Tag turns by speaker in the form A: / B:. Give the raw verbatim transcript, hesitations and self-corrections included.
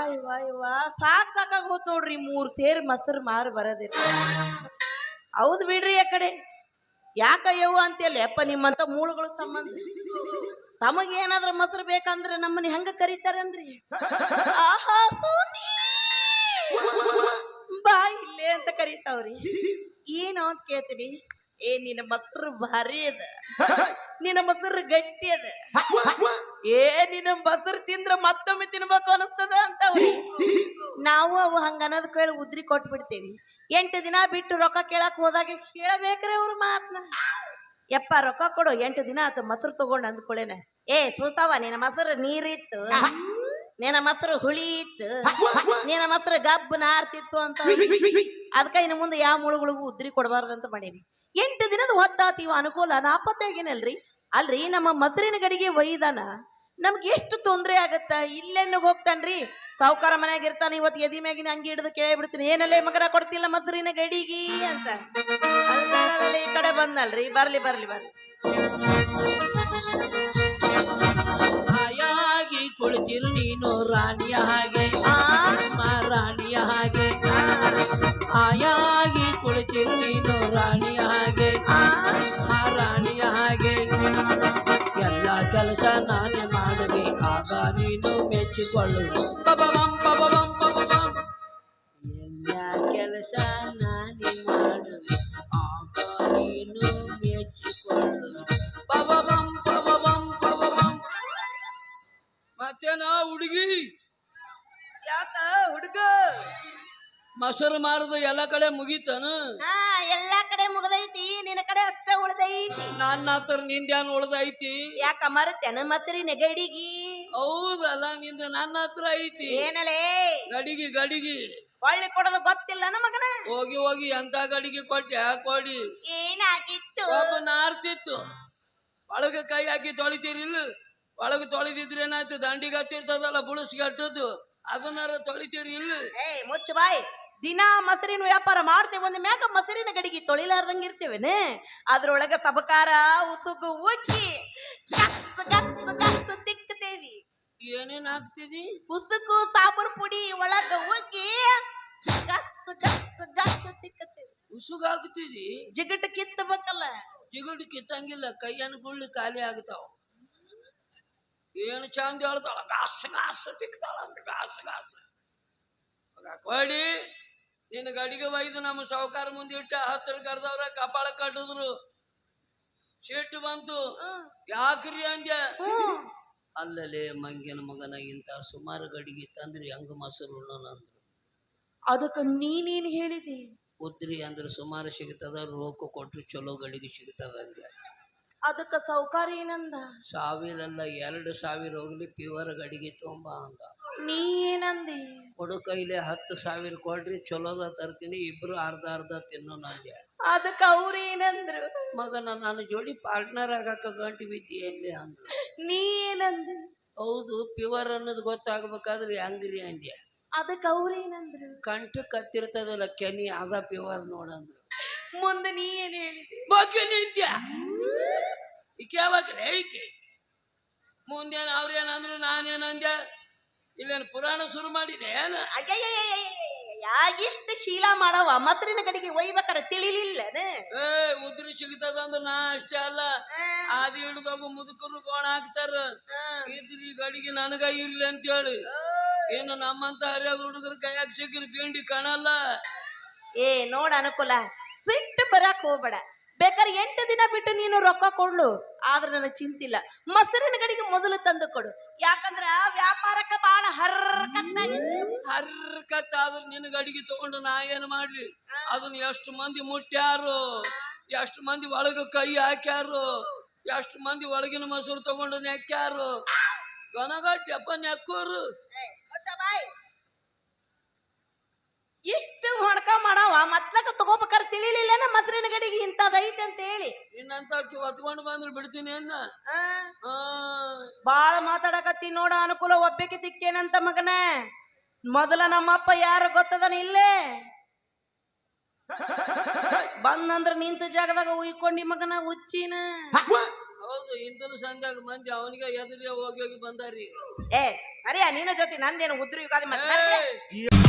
A: ಇವಾ ಇವಾ ಸಾಕ್ ಸಾಕಾಗ ಹೋತ್ ನೋಡ್ರಿ ಮೂರ್ ಸೇರ್ ಮೊಸರು ಮಾರು ಬರೋದಿಲ್ಲ. ಹೌದ್ ಬಿಡ್ರಿ ಆ ಕಡೆ ಯಾಕ ಯವ್ವ ಅಂತೇಳಿ ಅಪ್ಪ ನಿಮ್ಮಂತ ಮೂಳುಗಳು ಸಂಬಂಧ ತಮಗ ಏನಾದ್ರ ಮೊಸರು ಬೇಕಂದ್ರೆ ನಮ್ಮನ್ನ ಹೆಂಗ ಕರೀತಾರಂದ್ರಿ ಆಹಾ ಬಾ ಇಲ್ಲೇ ಅಂತ ಕರೀತಾವ್ರಿ. ಏನು ಅಂತ ಕೇಳ್ತೀನಿ, ಏ ನಿನ್ನ ಮೊಸರು ಭಾರಿ ಅದ, ನಿನ್ನ ಮೊಸರು ಗಟ್ಟಿ ಅದ, ಏ ನಿನ್ನ ಮೊಸರು ತಿಂದ್ರ ಮತ್ತೊಮ್ಮೆ ತಿನ್ಬೇಕು ಅನಿಸ್ತದ ಅಂತ ನಾವು ಅವು ಹಂಗ ಅನ್ನೋದ್ ಕೇಳಿ ಉದ್ರಿ ಕೊಟ್ಟು ಬಿಡ್ತೇವಿ. ಎಂಟು ದಿನ ಬಿಟ್ಟು ರೊಕ್ಕ ಕೇಳಕ್ ಹೋದಾಗ ಕೇಳಬೇಕ್ರೆ ಅವ್ರ ಮಾತನ್ನ. ಯಪ್ಪ ರೊಕ್ಕ ಕೊಡು, ಎಂಟು ದಿನ ಆತ ಮೊಸರು ತಗೊಂಡ್ ಅಂದ್ಕೊಳ್ಳೇನ, ಏ ಸೂತಾವ ನಿನ್ನ ಮೊಸರು ನೀರಿತ್ತು, ನಿನ್ನ ಮೊಸರು ಹುಳಿ ಇತ್ತು, ನಿನ್ನ ಮೊಸರು ಗಬ್ಬು ನಾರ್ತಿತ್ತು ಅಂತ. ಅದಕ್ಕ ಇನ್ನು ಮುಂದೆ ಯಾವ ಮುಳುಗಳಿಗೂ ಉದ್ರಿ ಕೊಡಬಾರ್ದಂತ ಮಾಡೀನಿ. ಎಂಟು ದಿನದ ಹೊತ್ತಾತೀವ ಅನುಕೂಲ ನಾಪತ್ತಾಗೇನಲ್ರಿ. ಅಲ್ರಿ ನಮ್ಮ ಮೊಸರಿನ ಗಡಿಗೆ ಒಯ್ದಾನ ನಮ್ಗೆ ಎಷ್ಟು ತೊಂದ್ರೆ ಆಗತ್ತ. ಇಲ್ಲೆನ್ನ ಹೋಗ್ತಾನ್ರಿ ಸಾವುಕಾರ ಮನ್ಯಾಗ ಇರ್ತಾನ, ಇವತ್ತು ಎದಿ ಮ್ಯಾಗಿನ ಅಂಗಿ ಹಿಡಿದು ಕೇಳಿ ಬಿಡ್ತೀನಿ, ಏನಲ್ಲೇ ಮಗರ ಕೊಡ್ತಿಲ್ಲ ಮೊಸರಿನ ಗಡಿಗಿ ಅಂತ. ಅಲ್ಲ ಈ ಕಡೆ ಬಂದಲ್ರಿ, ಬರ್ಲಿ ಬರ್ಲಿ ಬರ್ಲಿ.
B: ಹಾಯಾಗಿ ಕುಳಿತಿರು ನೀನು ರಾಣಿಯ ಹಾಗೆ, ರಾಣಿಯ ಹಾಗೆ, ಹಾಯಾಗಿ ಕುಳಿತಿರು ನೀನು ರಾಣಿಯ ಹಾಗೆ, ರಾಣಿಯ ಹಾಗೆ. ಎಲ್ಲ ಕೆಲಸ ನಾನೇ ಮಾಡುವೆ ಆಗ ನೀನು ಮೆಚ್ಚಿಕೊಳ್ಳು. ಪಬಬಂ ಪಬಬಂ ಪಬಬಂ. ಎಲ್ಲ ಕೆಲಸ ನಾನೇ ಮಾಡುವೆ ಆಗ ನೀನು ಮೆಚ್ಚಿಕೊಳ್ಳು. ಪಬಬಂ ಪಬಬಂ ಪಬಬಂ. ಮತ್ತೇನ ಹುಡುಗಿ
A: ಯಾಕ ಹುಡುಗ
B: ಮೊಸರು ಮಾರದ ಎಲ್ಲ ಕಡೆ ಮುಗೀತನ?
A: ಹಾ ಎಲ್ಲಾ ಕಡೆ ಮುಗ್ದೈತಿ, ನಿನ್ನ ಕಡೆ ಅಷ್ಟ ಉಳ್ದೈತಿ.
B: ನನ್ನ ಹತ್ರ ನಿಂದ್ಯಾನ್ ಉಳ್ದೈತಿ?
A: ಯಾಕ ಮರತೇನ ಮೊಸರಿನ ಗಡಿಗಿ?
B: ಹೌದಲ್ಲ, ನಿಂದ ನನ್ನ ಹತ್ರ ಐತಿ.
A: ಏನಲೇ
B: ಗಡಿಗೆ ಗಡಿಗೆ
A: ಒಳ್ಳೆ ಕೊಡೋದು ಗೊತ್ತಿಲ್ಲ ನಮಗನ.
B: ಹೋಗಿ ಹೋಗಿ ಎಂತ ಗಡಿಗೆ ಕೊಟ್ಟೆ ಕೊಡಿ.
A: ಏನಾಗಿತ್ತು?
B: ಒಬ್ಬ ನಾರ್ತಿತ್ತು, ಒಳಗ ಕೈ ಹಾಕಿ ತೊಳಿತೀರಿಲ್ಲ, ಒಳಗ ತೊಳಿದಿದ್ರೆ ಏನಾಯ್ತು, ದಂಡಿಗೆ ಹತ್ತಿರ್ತದಲ್ಲ ಬುಳಸ್ಗೆ ಹಟ್ಟದ್ದು, ಅದನ್ನಾರ ತೊಳಿತೀರಿ ಇಲ್ಲ?
A: ಏ ಮುಚ್ಚ ಬಾಯ್, ದಿನಾ ಮೊಸರಿನ ವ್ಯಾಪಾರ ಮಾಡ್ತೇವೆ, ಒಂದ್ ಮ್ಯಾಗ ಮೊಸರಿನ ಗಡಿಗೆ ತೊಳಿಲಾರ್ದಂಗ ಇರ್ತೇವೇನೆ. ಅದ್ರೊಳಗ ತಬಕಾರ ಉಸುಗು ಉಕ್ಕಿ ಗಸ್ ಗಸ್ ಗಸ್ ತಿಕ್ಕತೇವಿ.
B: ಏನೇನ್ ಹಾಕ್ತಿದಿ?
A: ಉಸುಕು ಸಾಂಬಾರ್ ಪುಡಿ ಒಳಗ ಉಕ್ಕಿ ಗಸ್ ಗಸ್ ಗಸ್ ತಿಕ್ಕತೇವಿ.
B: ಉಸುಗ ಹಾಕ್ತಿದಿ?
A: ಜಿಗಟ್ ಕಿತ್ತಬೇಕಲ್ಲ.
B: ಜಿಗುಡು ಕಿತ್ತಂಗಿಲ್ಲ, ಕೈಯನ್ ಗುಳ್ಳಿ ಖಾಲಿ ಆಗ್ತಾವ. ಏನು ಚಂದ ಹೇಳ್ತಾಳ, ಗಾಸ ಗಾಸ ತಿಕ್ತಾಳ ಅಂತ, ಗಾಸ ಗಾಸ. ಕೊಡಿ ನಿನ್ನ ಗಡಿಗೆ ಒಯ್ದು ನಮ್ಮ ಸಾವುಕಾರ ಮುಂದೆ ಇಟ್ಟ ಹತ್ತಿರ ಕರೆದವ್ರ ಕಪಾಳ ಕಟ್ಟಿದ್ರು. ಸಿಟ್ಟು ಬಂತು, ಯಾಕ್ರಿ ಅಂದ್ಯ? ಅಲ್ಲಲೇ ಮಂಗ್ಯನ ಮಗನ ಇಂತ ಸುಮಾರು ಗಡಿಗೆ ತಂದ್ರಿ ಹಂಗ ಮೊಸರು ಉಣ್ಣೋಣಂದ್ರು.
A: ಅದಕ್ಕ ನೀನೇನ್ ಹೇಳಿದಿ?
B: ಉದ್ರಿ ಅಂದ್ರೆ ಸುಮಾರು ಸಿಗ್ತದ, ರೋಕ ಕೊಟ್ರು ಚಲೋ ಗಡಿಗೆ ಸಿಗ್ತದ ಅಂದ್ಯ.
A: ಅದಕ್ಕ ಸೌಕಾರ ಏನಂದ?
B: ಸಾವಿರಲ್ಲ ಎರಡು ಸಾವಿರ ಹೋಗ್ಲಿ ಪ್ಯೂರ್ ಗಡಿಗೆ ತೊಂಬ ಅಂದ.
A: ನೀ ಏನಂದಿ?
B: ಕೊಡು ಕೈಲೆ ಹತ್ತು ಸಾವಿರ ಕೊಡ್ರಿ ಚಲೋದ ತರ್ತೀನಿ, ಇಬ್ರು ಅರ್ಧ ಅರ್ಧ ತಿನ್ನೋ ನಂದ್ಯ.
A: ಅದಕ್ಕ ಅವ್ರ ಏನಂದ್ರು?
B: ಮಗನ ನನ್ನ ಜೋಡಿ ಪಾರ್ಟ್ನರ್ ಆಗಾಕ ಗಂಟು ಬಿದ್ದಿ ಎಲ್ಲಿ ಅಂದ್ರು.
A: ನೀ ಏನಂದಿ?
B: ಹೌದು ಪ್ಯೂರ್ ಅನ್ನೋದು ಗೊತ್ತಾಗ್ಬೇಕಾದ್ರೆ ಹೆಂಗ್ರಿ ಅಂದ್ಯ.
A: ಅದಕ್ಕ ಅವ್ರ ಏನಂದ್ರು?
B: ಕಂಠ ಕತ್ತಿರ್ತದಲ್ಲ ಕೆನಿ ಅದ ಪ್ಯೂರ್ ನೋಡಂದ್ರು.
A: ಮುಂದೆ ನೀ ಏನ್ ಹೇಳಿದಿ?
B: ಬಗ್ಗೆ ನಿಂತ್ಯ ಈಕೆ ಯಾವಾಗ್ರೆ ಈಕೆ ಮುಂದೇನು ಅವ್ರೇನಂದ್ರು ನಾನೇನಂದ್ಯ? ಇಲ್ಲೇನು ಪುರಾಣ ಶುರು ಮಾಡಿದೆ ಏನ?
A: ಯಾಗಿಷ್ಟು ಶೀಲಾ ಮಾಡವ ಮೊಸರಿನ ಕಡೆಗೆ ಒಯ್ಬೇಕಾರ ತಿಳಿಲಿಲ್ಲ.
B: ಏ ಉದ್ರಿ ಸಿಗ್ತದ ಅಂದ್ರ ನಾ ಅಷ್ಟೇ ಅಲ್ಲ, ಆದಿ ಹಿಡ್ದೋಗು ಮುದುಕರು ಕೋಣ ಹಾಕ್ತಾರ, ಇದ್ರಿ ಗಡಿಗೆ ನನಗ ಇಲ್ಲ ಅಂತ ಹೇಳಿ. ಏನು ನಮ್ಮಂತ ಹರಿಯಾದ ಹುಡುಗರ ಕೈಯಾಗ ಸಿಕ್ಕಿನ ಪಿಂಡಿ ಕಾಣಲ್ಲ.
A: ಏ ನೋಡ ಅನುಕೂಲ, ಬಿಟ್ಟು ಬರಾಕ್ ಹೋಗ್ಬೇಡ. ಬೇಕಾದ್ರೆ ಎಂಟು ದಿನ ಬಿಟ್ಟು ನೀನು ರೊಕ್ಕ ಕೊಡ್ಲು, ಆದ್ರೆ ನನಗೆ ಚಿಂತಿಲ್ಲ. ಮೊಸರಿನ ಗಡಿಗೆ ಮೊದಲು ತಂದು ಕೊಡು, ಯಾಕಂದ್ರ ವ್ಯಾಪಾರಕ್ಕ ಬಾಳ ಹರ್ಕತ್ತ
B: ಹರ್ಕತ್ತ. ಆದ್ರ ನಿನ್ನ ಗಡಿಗೆ ತಗೊಂಡು ನಾ ಏನ್ ಮಾಡ್ಲಿ? ಅದನ್ನ ಎಷ್ಟು ಮಂದಿ ಮುಟ್ಟ್ಯಾರು, ಎಷ್ಟು ಮಂದಿ ಒಳಗ ಕೈ ಹಾಕ್ಯಾರು, ಎಷ್ಟು ಮಂದಿ ಒಳಗಿನ ಮೊಸರು ತಗೊಂಡು ನೆಕ್ಕ್ಯಾರು. ಗನಗಟ್ಟಪ್ಪ ನೆಕ್ಕೋರು.
A: ಇಷ್ಟು ಹೊಣಕ ಮಾಡವ ಮತ್ಲಕ ತಗೋಬೇಕಾರ ತಿಳಿಲಿಲ್ಲ ಮೊಸರಿನ ಗಡಿಗೆ ಇಂತದೈತೆ ಅಂತ ಹೇಳಿ.
B: ನಿನ್ನಂತ ಹೊತ್ಕೊಂಡು ಬಂದ್ರು ಬಿಡ್ತೀನಿ ಅನ್ನ.
A: ಬಾಳ ಮಾತಾಡಕತ್ತಿ ನೋಡ ಅನುಕೂಲ. ಒಬ್ಬಕ್ಕೆ ತಿಕ್ಕೇನಂತ ಮಗನ. ಮೊದಲ ನಮ್ಮಪ್ಪ ಯಾರು ಗೊತ್ತದನ ಇಲ್ಲೇ ಬಂದಂದ್ರ ನಿಂತ ಜಾಗದಾಗ ಉಯ್ಕೊಂಡಿ ಮಗನ ಹುಚ್ಚಿನ.
B: ಹೌದು ಇಂತನು ಸಂಧ್ಯಾಗ ಮಂದಿ ಅವನಿಗೆ ಎದುರಿಗೆ ಹೋಗಿ ಹೋಗಿ ಬಂದಾರಿ
A: ಏ ಅರಿಯ ನಿನ್ನ ಜೊತೆ ನಂದೇನು ಉದ್ರ ಯುಗಾದಿ ಮತ್ತೆ
B: ಏಯ್!